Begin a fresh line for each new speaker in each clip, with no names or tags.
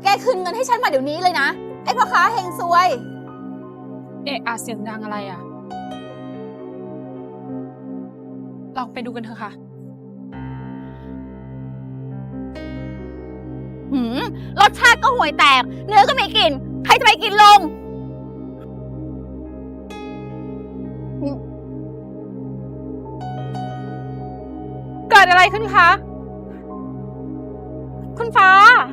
แกคืนเงินให้ฉันมาเดี๋ยวนี้เลยนะไอ้พ่อค้าเฮงซวย
เอะอะเสียงดังอะไรอ่ะเราไปดูกันเถอะค่ะ
รสชาติก็ห่วยแตกเนื้อก็ไม่กินใครจะไปกินลง
เกิดอะไรขึ้นคะคุณฟ้า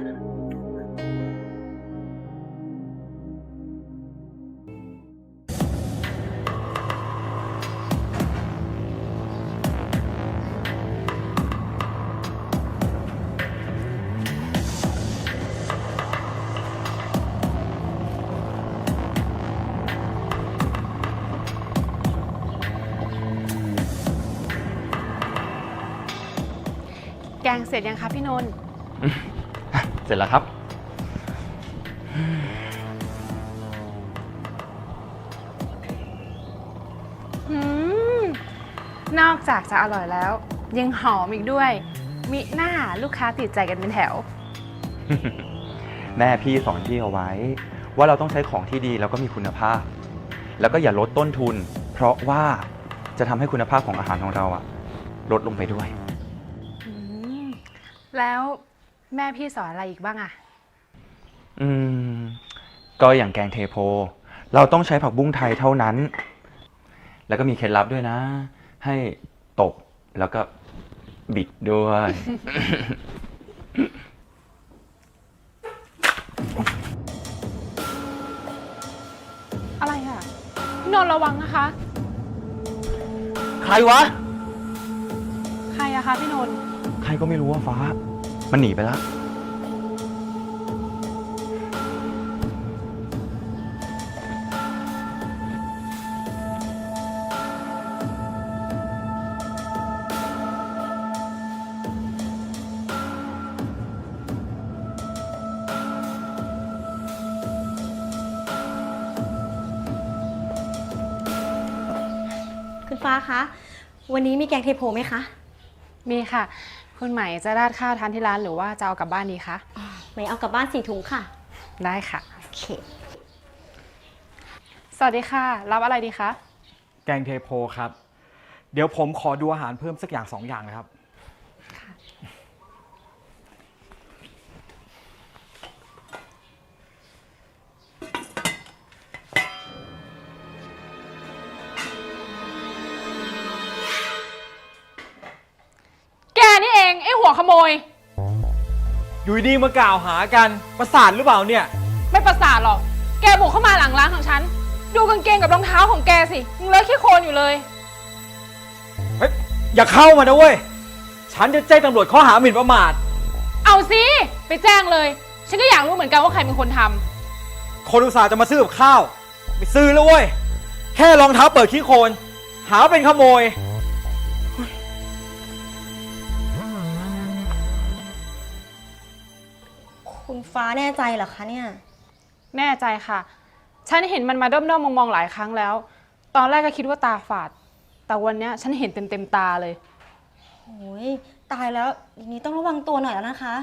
แกงเสร็จยังคะพี่นนท์
เสร็จแล้วครับ
นอกจากจะอร่อยแล้ว ยังหอมอีกด้วยมิหน้าลูกค้าติดใจกันเป็นแถว
แม่พี่สอนพี่เอาไว้ ว่าเราต้องใช้ของที่ดีแล้วก็มีคุณภาพ แล้วก็อย่าลดต้นทุน เพราะว่าจะทำให้คุณภาพของอาหารของเราอะลดลงไปด้วย
แล้วแม่พี่สอนอะไรอีกบ้างอะ
ก็อย่างแกงเทโพเราต้องใช้ผักบุ้งไทยเท่านั้น แล้วก็มีเคล็ดลับด้วยนะ ให้ตบแล้วก็บิดด้วย
อะไรอะพี่นนท์ระวังนะคะ
ใครวะ
ใครอะคะพี่นนท์
ใครก็ไม่รู้ว่าฟ้า มันหนีไปแล้ว
คุณฟ้าคะ วันนี้มีแกงเทโพไหมคะ
มีค่ะ คุณใหม่จะราดข้าวทานที่ร้านหรือว่าจะเอากลับบ้านดีคะ
ไม่เอากลับบ้าน4 ถุงค่ะ
ได้ค่ะ
โอเค
สวัสดีค่ะรับอะไรดีคะ
แกงเทโพครับ เดี๋ยวผมขอดูอาหารเพิ่มสักอย่าง2 อย่างนะครับ
แกนี่เองไอ้หัวขโมย
อยู่ดีมากล่าวหากันประสาทหรือเปล่าเนี่ย
ไม่ประสาทหรอกแกบุกเข้ามาหลังร้านของฉันดูกางเกงกับรองเท้าของแกสิยังเลอะขี้โคลนอยู่เลย
เฮ้ย อย่าเข้ามานะเว้ย ฉันจะแจ้งตำรวจข้อหาหมิ่นประมาท
เอาสิไปแจ้งเลยฉันก็อยากรู้เหมือนกันว่าใครเป็นคนทำ
คนอุตส่าห์จะมาซื้อกับข้าวไม่ซื้อแล้วเว้ย แค่รองเท้าเปิดขี้โคลนหาว่าเป็นขโมย
คุณฟ้าแน่ใจเหรอคะเนี่ย
แน่ใจค่ะฉันเห็นมันมาด้อมๆมองๆหลายครั้งแล้วตอนแรกก็คิดว่าตาฝาดแต่วันนี้ฉันเห็นเต็มตาเลย
โอ้ยตายแล้วอย่างนี้ต้องระวังตัวหน่อยแล้วนะคะ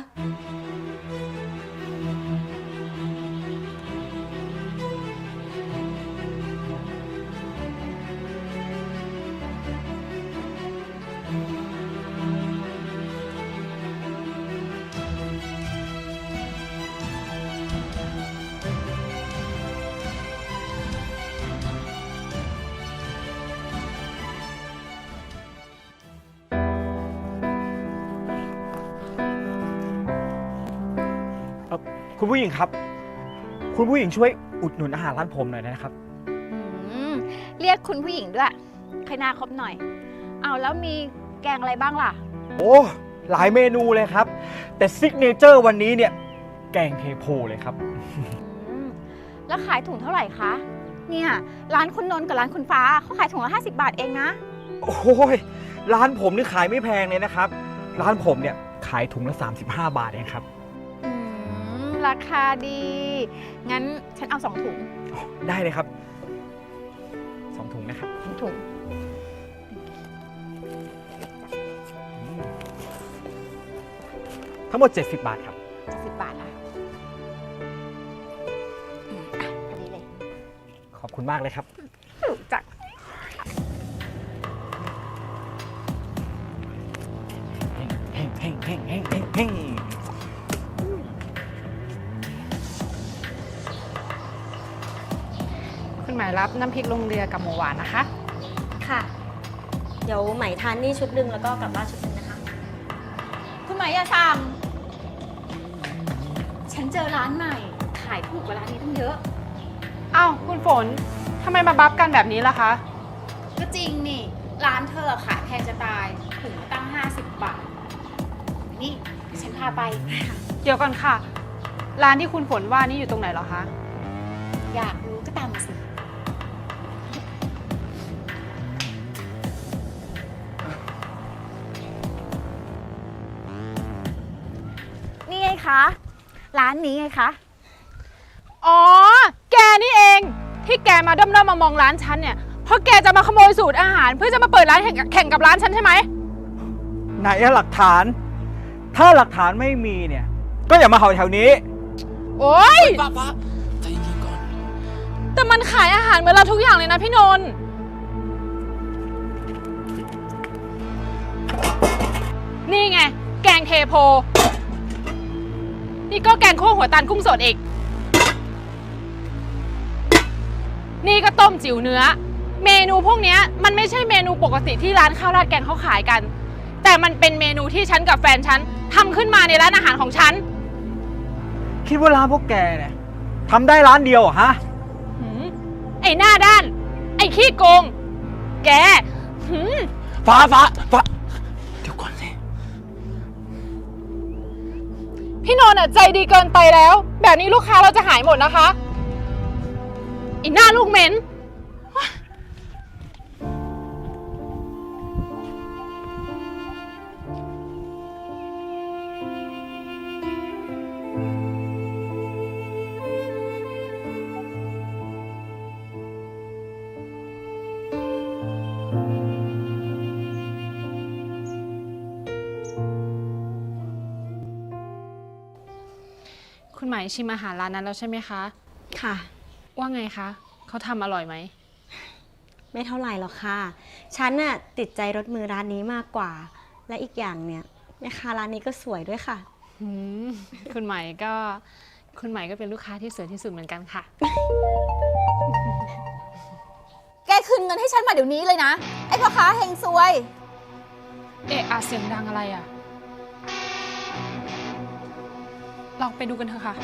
คุณผู้หญิงครับ คุณผู้หญิงช่วยอุดหนุนอาหารร้านผมหน่อยนะครับ
เรียกคุณผู้หญิงด้วยใครหน้าครบหน่อยเอาแล้วมีแกงอะไรบ้างล่ะ
โอ้หลายเมนูเลยครับ แต่ซิกเนเจอร์วันนี้เนี่ยแกงเทโพเลยครับ
แล้วขายถุงเท่าไหร่คะเนี่ยร้านคุณนนท์กับร้านคุณฟ้าเขาขายถุงละ50 บาทเองนะ
โอ้ยร้านผมนี่ขายไม่แพงเลยนะครับ ร้านผมเนี่ยขายถุงละ35 บาทเองครับ
ราคาดี งั้นฉันเอา2 ถุง
ได้เลยครับ2 ถุงนะครับ
2 ถุง
ทั้งหมด70 บาทครับ
10 บาทละ
อบคุณมากเลยครับ
รู้จัก
เฮ้งเฮ้งเฮ้งเฮ้งเฮ้งเฮ้ง
คุณหมายรับน้ำพริกลงเรือกับหมูหวานนะคะ
ค่ะ เดี๋ยวไหมทานนี่ชุดหนึ่งแล้วก็กลับบ้านชุดหนึ่งนะคะ
คุณหมายอย่าสั่ง ฉันเจอร้านใหม่ ขายถูกกว่าร้านนี้ตั้งเยอะ
อ้าวคุณฝนทำไมมาบัฟกันแบบนี้ล่ะคะ
ก็จริงนี่ ร้านเธอขายแพงจะตายถุงละตั้ง 50 บาท นี่ฉันพาไป
เดี๋ยวก่อนค่ะ ร้านที่คุณฝนว่านี่อยู่ตรงไหนเหรอคะ
อยากรู้ก็ตามมาสิ นี่ไงคะ ร้านนี้ไงคะ
อ๋อ แกนี่เอง ที่แกมาด้อมๆมองร้านฉันเนี่ย เพราะแกจะมาขโมยสูตรอาหาร เพื่อจะมาเปิดร้านแข่งกับร้านฉันใช่ไหม
ไหนอะหลักฐาน ถ้าหลักฐานไม่มีเนี่ย ก็อย่ามาเห่าแถวนี้
โอ๊ย
ฟ้าใจเย็นๆก่อน
แต่มันขายอาหารเหมือนเราทุกอย่างเลยนะพี่นนท์นี่ไง แกงเทโพ นี่ก็แกงคั่วหัวตาลกุ้งสดอีก นี่ก็ต้มจิ๋วเนื้อ เมนูพวกเนี้ยมันไม่ใช่เมนูปกติที่ร้านข้าวราดแกงเขาขายกัน แต่มันเป็นเมนูที่ฉันกับแฟนฉันทำขึ้นมาในร้านอาหารของฉัน
คิดว่าร้านพวกแกเนี่ยทำได้ร้านเดียวเหรอฮะ
หืมไอ้หน้าด้าน ไอ้ขี้โกง แกหืม
ฟ้าเดี๋ยวก่อนสิ
พี่นนท์อะใจดีเกินไปแล้ว แบบนี้ลูกค้าเราจะหายหมดนะคะไอ้หน้าลูกเหม็น คุณหมายชิมอาหารร้านนั้นแล้วใช่ไหมคะ
ค่ะ
ว่าไงคะ เขาทำอร่อยไหม
ไม่เท่าไหร่หรอกค่ะ ฉันน่ะติดใจรสมือร้านนี้มากกว่า และอีกอย่างเนี่ยแม่ค้าร้านนี้ก็สวยด้วยค่ะ
หืมคุณหมายก็เป็นลูกค้าที่สวยที่สุดเหมือนกันค่ะ
แกคืนเงินให้ฉันมาเดี๋ยวนี้เลยนะ ไอ้พ่อค้าเฮงซวย
เอะอะเสียงดังอะไรอะเราไปดูกันเถอะค่ะ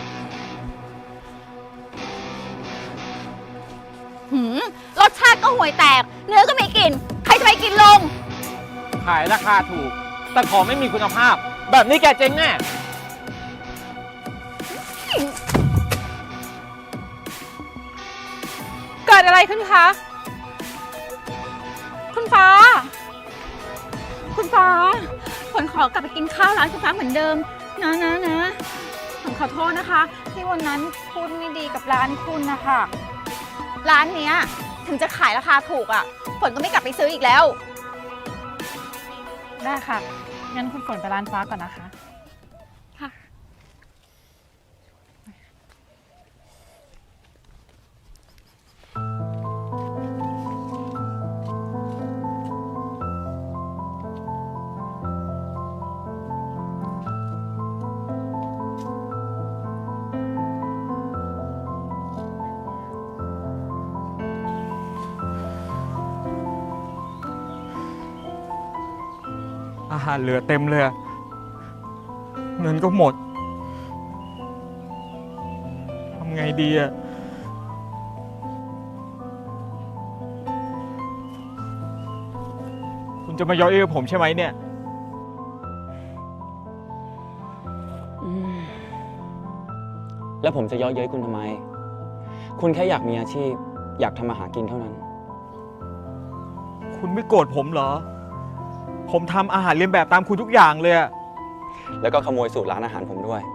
รสชาติก็ห่วยแตก เนื้อก็ไม่กิน ใครจะไปกินลง
ขายราคาถูก แต่ของไม่มีคุณภาพ แบบนี้แกเจ๊งแน่
เกิดอะไรขึ้นคะ
คุณฟ้า คุณฟ้าฝนขอกลับไปกินข้าวร้านคุณฟ้าเหมือนเดิม นะฝนขอโทษนะคะ ที่วันนั้นพูดไม่ดีกับร้านคุณนะคะ ร้านเนี้ยถึงจะขายราคาถูกอ่ะฝนก็ไม่กลับไปซื้ออีกแล้ว
ได้ค่ะ งั้นคุณฝนไปร้านฟ้าก่อนนะคะ
ค่ะ
อาหารเหลือเต็มเลยอะเงินก็หมด ทำไงดีอะคุณจะมาย่อเย้ยผมใช่ไหมเนี่ย
แล้วผมจะเย้อเย้ยคุณทำไม คุณแค่อยากมีอาชีพ อยากทำมาหากินเท่านั้น
คุณไม่โกรธผมเหรอ ผมทำอาหารเลียนแบบตามคุณทุกอย่างเลยอะ
แล้วก็ขโมยสูตรร้านอาหารผมด้วย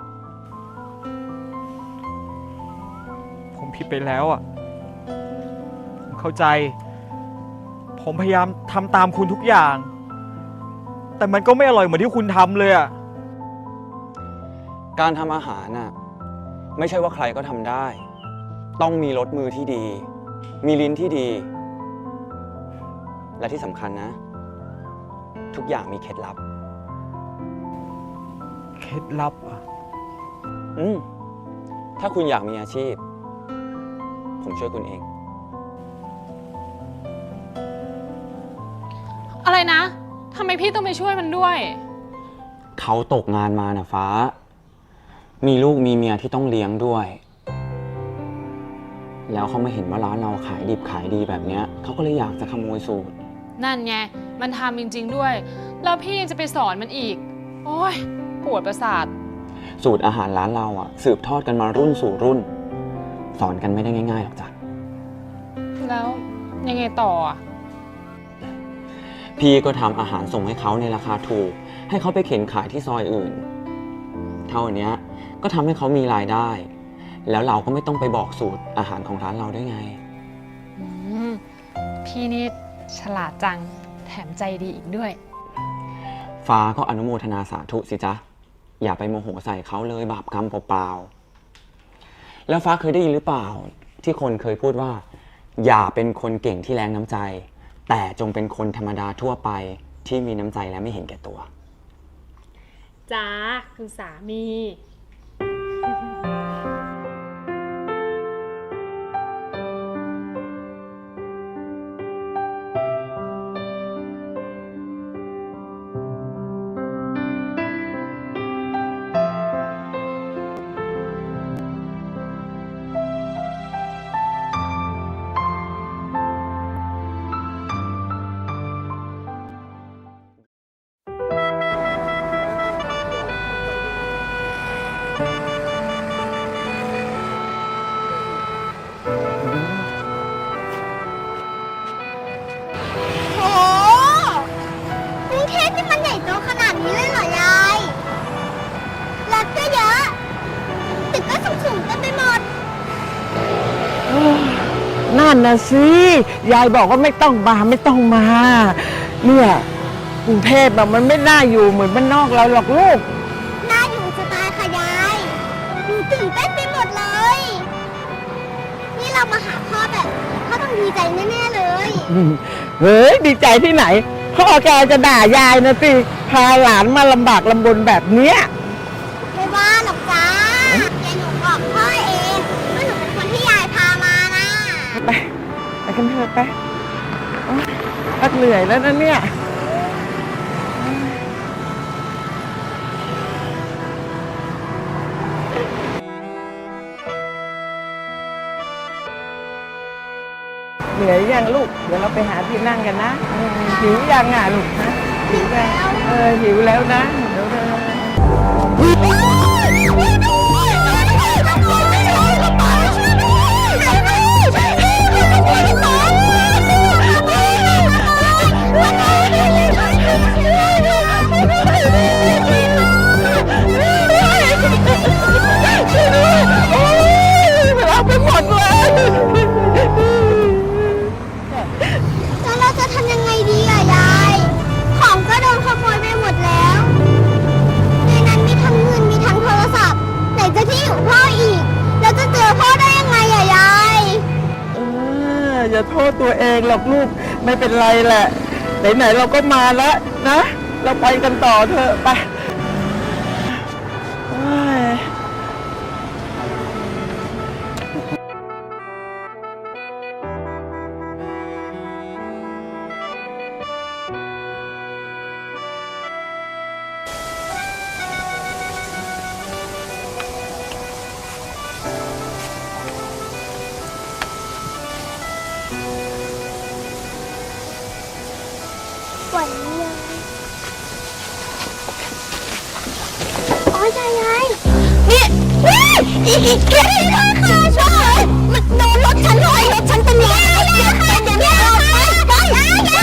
ผมผิดไปแล้วอะผมเข้าใจ ผมพยายามทำตามคุณทุกอย่าง แต่มันก็ไม่อร่อยเหมือนที่คุณทำเลยอะ
การทำอาหารน่ะไม่ใช่ว่าใครก็ทำได้ ต้องมีรสมือที่ดีมีลิ้นที่ดี และที่สำคัญนะ ทุกอย่างมีเคล็ดลับ
เคล็ดลับอ่ะ
ถ้าคุณอยากมีอาชีพ ผมช่วยคุณเอง
อะไรนะ ทำไมพี่ต้องไปช่วยมันด้วย
เขาตกงานมานะฟ้า มีลูกมีเมียที่ต้องเลี้ยงด้วย แล้วเขามาเห็นว่าร้านเราขายดิบขายดีแบบเนี้ยเขาก็เลยอยากจะขโมยสูตร
นั่นไง มันทำจริงๆด้วย แล้วพี่ยังจะไปสอนมันอีก โอ้ยปวดประสาท
สูตรอาหารร้านเราอ่ะ สืบทอดกันมารุ่นสู่รุ่น สอนกันไม่ได้ง่ายๆหรอกจ้ะ
แล้วยังไงต่ออ่ะ
พี่ก็ทำอาหารส่งให้เขาในราคาถูก ให้เขาไปเข็นขายที่ซอยอื่น เท่านี้ก็ทำให้เขามีรายได้ แล้วเราก็ไม่ต้องไปบอกสูตรอาหารของร้านเราด้วยไง
อืม พี่นี่ฉลาดจัง แถมใจดีอีกด้วย
ฟ้าก็อนุโมทนาสาธุสิจ๊ะ อย่าไปโมโหใส่เขาเลยบาปกรรมเปล่าๆ แล้วฟ้าเคยได้ยินหรือเปล่า ที่คนเคยพูดว่า อย่าเป็นคนเก่งที่แรงน้ำใจ แต่จงเป็นคนธรรมดาทั่วไปที่มีน้ำใจและไม่เห็นแก่ตัว
จ้าคุณสามี
โหกรุงเทพนี่มันใหญ่โตขนาดนี้เลยเหรอยายรถก็เยอะตึกก็สูงๆเต็มไปหมด
นั่นนะสิยายบอกว่าไม่ต้องมาไม่ต้องมา เนี่ยกรุงเทพอะมันไม่น่าอยู่เหมือนบ้านนอกเราหรอกลูก
น่าอยู่จะตายค่ะยายหนูตื่นเต้นไปหมดเลย นี่เรามาหาพ่อแบบพ่อต้องดีใจแน่ๆเลย
เฮ้ยดีใจที่ไหนพ่อแกจะด่ายายนะสิพาหลานมาลำบากลำบนแบบเนี้ย
ไม่ว่าหรอกจ้ายายหนูบอกพ่อเองว่าหนูเป็นคนที่ยายพามานะ
ไปกันเถอะไปโอ๊ยพักเหนื่อยแล้วนะเนี่ยเหนื่อยยังลูก เดี๋ยวเราไปหาที่นั่งกันนะหิวยังอ่ะลูกนะหิวแล้วหิวแล้วนะเดี๋ยวเราไปหมดเลย
แล้วเราจะทำยังไงดีอะยาย ของก็โดนขโมยไปหมดแล้ว ในนั้นมีทั้งเงินมีทั้งโทรศัพท์ ไหนจะที่อยู่พ่ออีก แล้วจะเจอพ่อได้ยังไงอะยาย
อย่าโทษตัวเองหรอกลูกไม่เป็นไรแหละ ไหนๆเราก็มาแล้วนะ เราไปกันต่อเถอะไปโอ้ย
ปวดเยี่ยมอ๋อยายนี่อีกแค่นี้ค่ะช่วยมันโดนรถฉันเลยรถฉันเป็นรอยเป็นอย่างนี้ไปยายส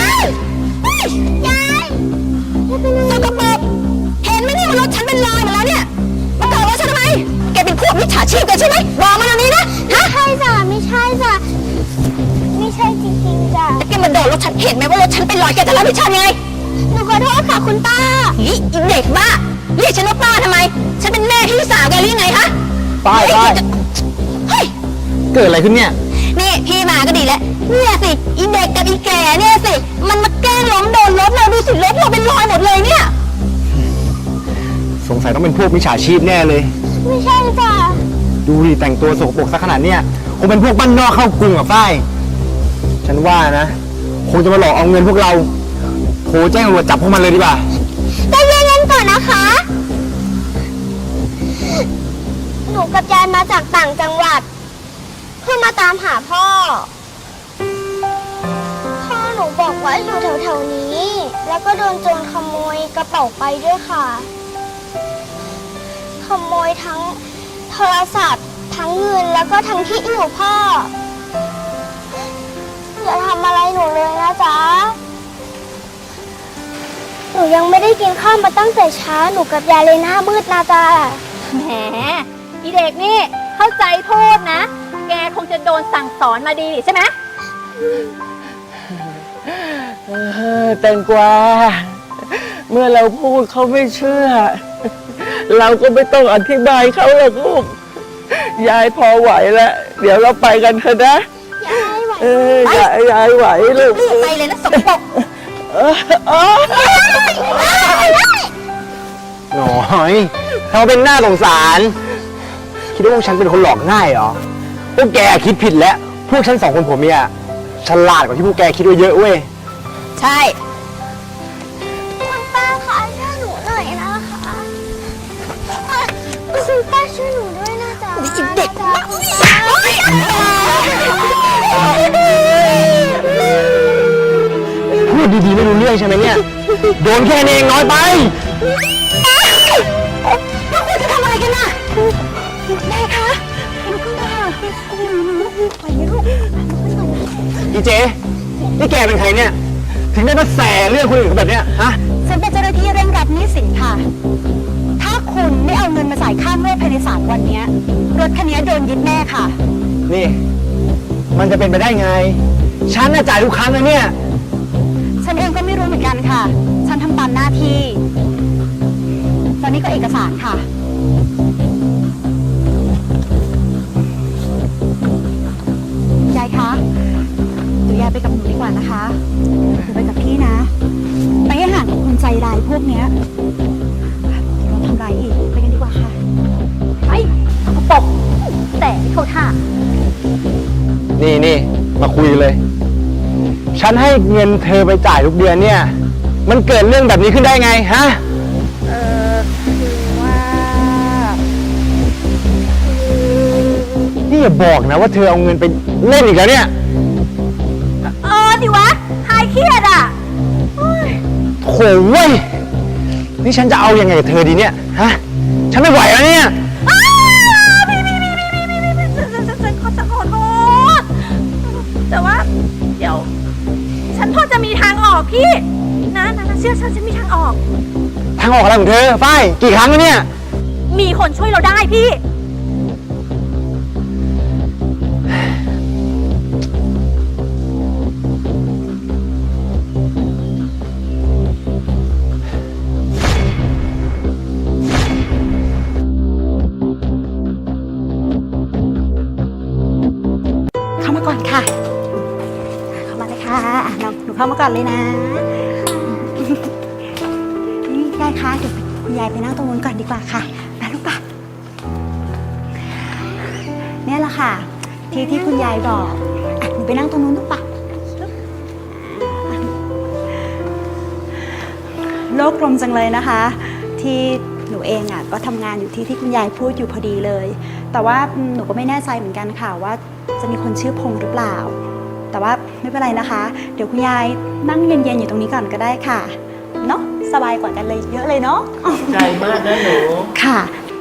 กปรกเห็นไหมเนี่ยว่ารถฉันเป็นรอยหมดแล้วเนี่ยมาต่อรถฉันทำไมแกเป็นพวกมิจฉาชีพกันใช่ไหมบอกมาตรงนี้นะไม่ใช่จ้ะไม่ใช่จ้ะไม่ใช่จริงๆจ้ะแกมาโดนรถฉันเห็นไหมว่ารถฉันเป็นรอยแกจะรับผิดชอบไงหนูขอโทษค่ะคุณป้าอีเด็กบ้าเรียกฉันว่าป้าทำไมฉันเป็นแม่พี่สาวแกหรือไงฮะ
ป้าย
เฮ้ย
เกิดอะไรขึ้นเนี่ย
นี่พี่มาก็ดีแล้วเนี่ยสิอีเด็กกับอีแก่เนี่ยสิมันมาแกล้งล้มโดนรถเราดูสิรถเราเป็นรอยหมดเลยเนี่ย
สงสัยต้องเป็นพวกมิจฉาชีพแน่เลย
ไม่ใช่จ้ะ
ดูดิแต่งตัวสกปรกซะขนาดเนี้ยคงเป็นพวกบ้านนอกเข้ากรุงอ่ะฝ้ายฉันว่านะคงจะมาหลอกเอาเงินพวกเราโทรแจ้งตำรวจจับพวกมันเลยดีกว่า
ใจเย็นๆก่อนนะคะ หนูกับยายมาจากต่างจังหวัด เพื่อมาตามหาพ่อ พ่อหนูบอกว่าอยู่แถวๆนี้ แล้วก็โดนโจรขโมยกระเป๋าไปด้วยค่ะ ขโมยทั้งโทรศัพท์ทั้งเงินแล้วก็ทั้งที่อยู่พ่อ อย่าทำอะไรหนูเลยนะจ๊ะ หนูยังไม่ได้กินข้าวมาตั้งแต่เช้าหนูกับยายเลยหน้ามืดนะจ๊ะ
แหมอีเด็กนี่เข้าใจโทษนะ แกคงจะโดนสั่งสอนมาดีใช่ไหม
แตงกวาเมื่อเราพูดเขาไม่เชื่อ เราก็ไม่ต้องอธิบายเขาหรอกลูก ยายพอไหวแล้ว เดี๋ยวเราไปกันเถอะนะ
ยายไหว
ยายไหวลูก
รีบไปเลยนะสกปรก
หน่อยทำเป็นหน้าสงสาร คิดว่าพวกฉันเป็นคนหลอกง่ายเหรอ พวกแกคิดผิดแล้ว พวกฉันสองคนผัวเมียฉลาดกว่าที่พวกแกคิดไว้เยอะเว้ย
ใช่ คุณป้าคะช่วยหนูหน่อยนะคะคุณป้าช่วยหนูด้วยนะจ๊ะเด็กมาก
พูดดีๆไม่รู้เรื่องใช่ไหมเนี่ย โดนแค่นี้เองน้อยไป
พวกคุณจะทำอะไรกันน่ะแม่คะลุกขึ้นมาไปลูก
อีเจ นี่แกเป็นใครเนี่ย ถึงได้มาแสเรื่องคนอื่นแบบเนี้ยฮะ
ฉันเป็นเจ้าหน้าที่เร่งรัดหนี้สินค่ะ ถ้าคุณไม่เอาเงินมาจ่ายค่างวดภายใน3 วันนี้รถคันนี้โดนยึดแน่ค่ะ
นี่ มันจะเป็นไปได้ไง ฉันน่ะจ่ายทุกครั้งนะเนี่ย
ฉันเองก็ไม่รู้เหมือนกันค่ะ ฉันทำตามหน้าที่ตอนนี้ก็เอกสารค่ะ ยายคะเดี๋ยวยายไปกับหนูดีกว่านะคะหนูไปกับพี่นะ ไปให้ห่างกับคนใจร้ายพวกเนี้ยเดี๋ยวเราทำร้ายอีก ไปกันดีกว่าค่ะ ไปปกแต่ไม่เข้าท่า
นี่มาคุยเลย ฉันให้เงินเธอไปจ่ายทุกเดือนเนี่ย มันเกิดเรื่องแบบนี้ขึ้นได้ไงฮะ
คือว่า
นี่อย่าบอกนะว่าเธอเอาเงินไปเล่นอีกแล้วเนี่ย
ดิวะหายเครียดอ่ะ
โถ่เว้ย นี่ฉันจะเอายังไงกับเธอดีเนี่ย ฮะ ฉันไม่ไหวแล้วเนี่ย
ฉันขอโทษ แต่ว่าเดี๋ยว ฉันพอจะมีทางออกพี่นะเชื่อฉันมีทางออก
ทางออกอะไรของเธอ ฝ้าย กี่ครั้งแล้วเนี่ย
มีคนช่วยเราได้พี่
เข้ามาก่อนค่ะ เข้ามาเลยค่ะน้องหนูเข้ามาก่อนเลยนะ นี่ยายคะเดี๋ยวคุณยายไปนั่งตรงนู้นก่อนดีกว่าค่ะไปลูกป่ะเนี่ยแหละค่ะ ที่คุณยายบอกอ่ะหนูไปนั่งตรงนู้นลูกป่ะโลกกลมจังเลยนะคะ ที่หนูเองอ่ะก็ทำงานอยู่ที่คุณยายพูดอยู่พอดีเลย แต่ว่าหนูก็ไม่แน่ใจเหมือนกันค่ะว่าจะมีคนชื่อพงษ์หรือเปล่า แต่ว่าไม่เป็นไรนะคะ เดี๋ยวคุณยายนั่งเย็นๆอยู่ตรงนี้ก่อนก็ได้ค่ะเนาะสบายกว่ากันเลยเยอะเลยเนาะ
ใจมากนะหนู
ค่ะ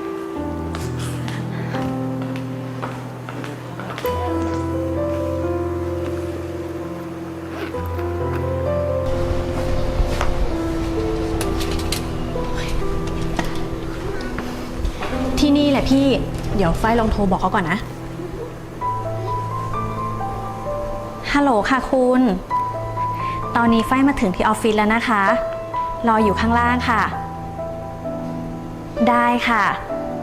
ที่นี่แหละพี่ เดี๋ยวฝ้ายลองโทรบอกเขาก่อนนะ ฮัลโหลค่ะคุณ ตอนนี้ฝ้ายมาถึงที่ออฟฟิศแล้วนะคะ รออยู่ข้างล่างค่ะ ได้ค่ะ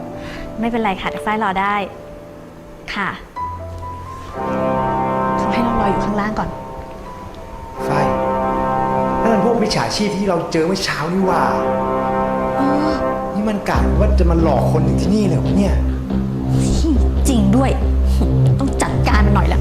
ไม่เป็นไรค่ะเดี๋ยวฝ้ายรอได้ ค่ะโทรให้เราออยู่ข้างล่างก่อน
ไฟนั่นมันพวกมิจฉาชีพที่เราเจอเมื่อเช้านี่หว่านี่มันกะว่าจะมาหลอกคนถึงที่นี่เลยเหรอเนี่ย
จริงด้วย ต้องจัดการมันหน่อยละ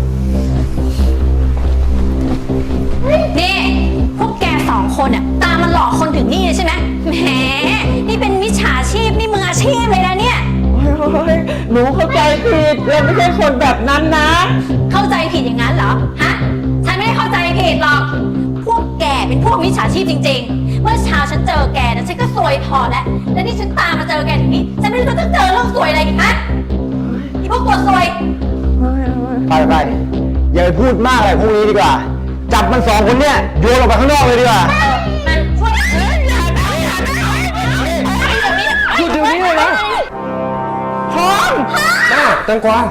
นี่พวกแกสองคนเนี่ยตามมันหลอกคนถึงนี่เลยใช่ไหมแหมนี่เป็นมิจฉาชีพนี่มืออาชีพเลยนะเนี่ย
โอ้ยหนูเข้าใจผิดเราไม่ใช่คนแบบนั้นนะ
เข้าใจผิดอย่างนั้นเหรอ ฮะ ฉันไม่ได้เข้าใจผิดหรอก พวกแกเป็นพวกมิจฉาชีพจริงๆ เมื่อเช้าฉันเจอแกนะฉันก็ซวยพอแล้ว แล้วนี่ฉันตามมาเจอแกถึงนี้ ฉันไม่รู้จะเจอเรื่องซวยอะไรอีกฮะอีพวกตัวซวย
ไปอย่าไปพูดมากอะไรพวกนี้ดีกว่า จับมันสองคนเนี่ยโยนออกไปข้างนอกเลยดีกว่า
มันช่วย
หยุดเดี๋ยวนี้เลยนะพร้อมแม่แตงกวา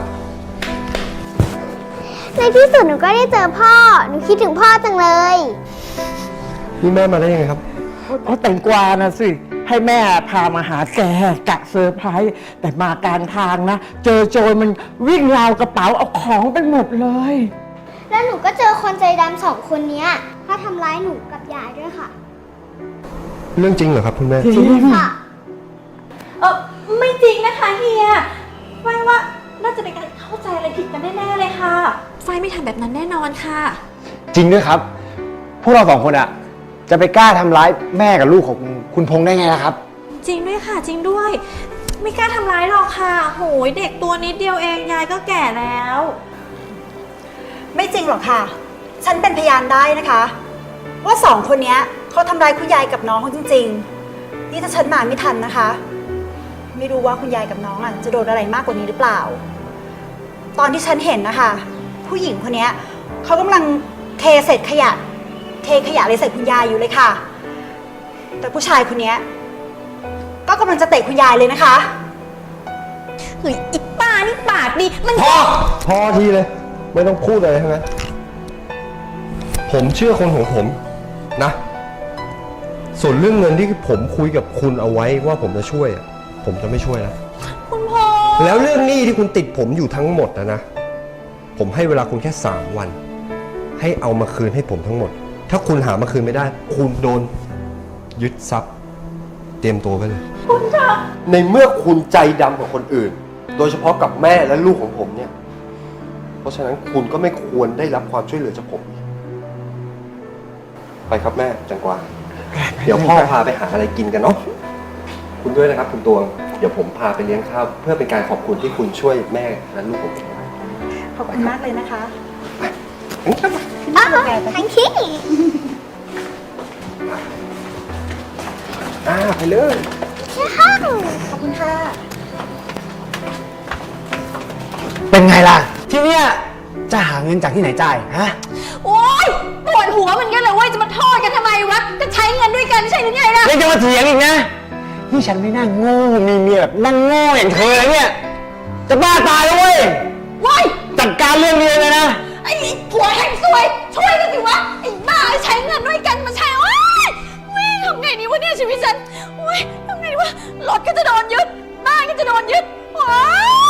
ในที่สุดหนูก็ได้เจอพ่อ หนูคิดถึงพ่อจังเลย
นี่แม่มาได้ยังไงครับ
เพราะแตงกวานะสิ ให้แม่พามาหาแกกะเซอร์ไพรส์แต่มากลารทางนะ เจอโจรมันวิ่งราวกระเป๋าเอาของไปหมดเลย
แล้วหนูก็เจอคนใจดำสองคนเนี้ยเขาทำร้ายหนูกับยายด้วยค่ะ
เรื่องจริงเหรอครับคุณแม่
จริง
ค่ะ
ไม่จริงนะคะเฮียไฟว่าน่าจะเป็นการเข้าใจอะไรผิดกันแน่ๆเลยค่ะไฟไม่ทำแบบนั้นแน่นอนค่ะ
จริงด้วยครับ พวกเราสองคนอะจะไปกล้าทำร้ายแม่กับลูกของคุณพงษ์ได้ไงล่ะครับ
จริงด้วยค่ะจริงด้วย ไม่กล้าทำร้ายหรอกค่ะโหยเด็กตัวนิดเดียวเองยายก็แก่แล้ว
ไม่จริงหรอกค่ะ ฉันเป็นพยานได้นะคะ ว่าสองคนเนี้ยเขาทำร้ายคุณยายกับน้องเขาจริงๆ นี่ถ้าฉันมาไม่ทันนะคะ ไม่รู้ว่าคุณยายกับน้องจะโดนอะไรมากกว่านี้หรือเปล่า ตอนที่ฉันเห็นนะคะผู้หญิงคนเนี้ยเขากำลังเทเศษขยะเลยใส่คุณยายอยู่เลยค่ะ แต่ผู้ชายคนเนี้ยก็กำลังจะเตะคุณยายเลยนะคะ
เฮ้ยอีป้านี่ปากดีมัน
พอทีเลย ไม่ต้องพูดอะไรทั้งนั้นผมเชื่อคนของผมนะ ส่วนเรื่องเงินที่ผมคุยกับคุณเอาไว้ว่าผมจะช่วยอะผมจะไม่ช่วยแล้ว
คุณพ่อ
แล้วเรื่องหนี้ที่คุณติดผมอยู่ทั้งหมดนะผมให้เวลาคุณแค่3 วัน ให้เอามาคืนให้ผมทั้งหมด ถ้าคุณหามาคืนไม่ได้ คุณโดนยึดทรัพย์ เตรียมตัวไว้เลยคุณคะในเมื่อคุณใจดำกว่าคนอื่น โดยเฉพาะกับแม่และลูกของผมเนี่ย เพราะฉะนั้นคุณก็ไม่ควรได้รับความช่วยเหลือจากผม ไปครับแม่จังกวาเดี๋ยวพ่อพาไปหาอะไรกินกันเนาะคุณด้วยนะครับคุณตวง เดี๋ยวผมพาไปเลี้ยงข้าวเพื่อเป็นการขอบคุณที่คุณช่วยแม่และลูกผม
ขอบคุณมากเลยนะคะ
อ้าวทังคี
ไปเลย
ขอบคุณค่ะ
เป็นไงล่ะ ที่เนี้ยจะหาเงินจากที่ไหนจ่ายฮะ
โอ๊ยปวดหัวเหมือนกันเลยเว้ยจะมาโทษกันทำไมวะก็ใช้เงินด้วยกันใช่หรือไงล่ะ
ยังจะมาเถียงอีกนะ นี่ฉันไม่น่าโง่มีเมียแบบนั่งโง่อย่างเธอเลยเนี่ย จะบ้าตายแล้วเว้ย
ว้าย
จัดการเรื่องนี้เลยนะ
ไอ้ผัวแห่งซวยช่วยกันสิวะไอ้บ้าใช้เงินด้วยกันมาใช้โอ๊ยทำไงดีวะเนี่ยชีวิตฉันโอ๊ยทำไงดีวะรถก็จะโดนยึดบ้านก็จะโดนยึดโอ๊ย